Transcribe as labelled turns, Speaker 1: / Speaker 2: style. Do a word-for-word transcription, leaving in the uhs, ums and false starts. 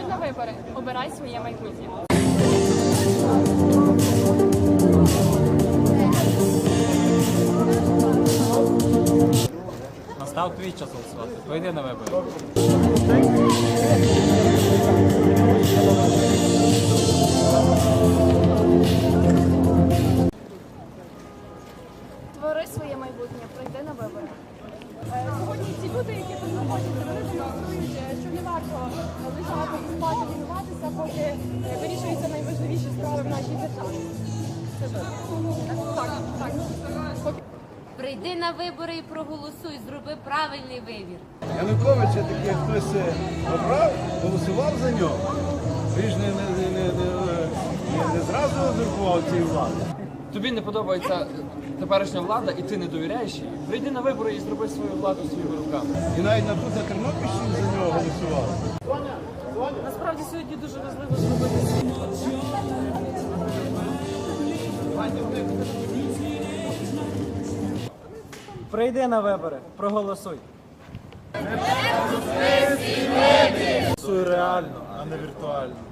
Speaker 1: Приходь на вибори, обирай своє майбутнє.
Speaker 2: Настав твій час голосувати. Прийди на вибори.
Speaker 1: Твори своє майбутнє, прийди на вибори. Сьогодні ці люди, які тут знаходяться, вони демонструють, що не варто лежати і спати, лінуватися, поки вирішуються найважливіші справи в нашій державі. Це так, так, так.
Speaker 3: Прийди на вибори і проголосуй, зроби правильний вибір.
Speaker 4: Януковича таки хтось обрав, голосував за нього. Він ж не, не, не, не, не, не зразу узурпував цієї влади.
Speaker 5: Тобі не подобається теперішня влада і ти не довіряєш їй, прийди на вибори і зроби свою владу своїми руками.
Speaker 4: І навіть на тут на Тернопільщині за нього голосували.
Speaker 6: Насправді сьогодні дуже важливо зробити світло.
Speaker 2: Прийди на вибори, проголосуй.
Speaker 4: Голосуй реально, а не віртуально.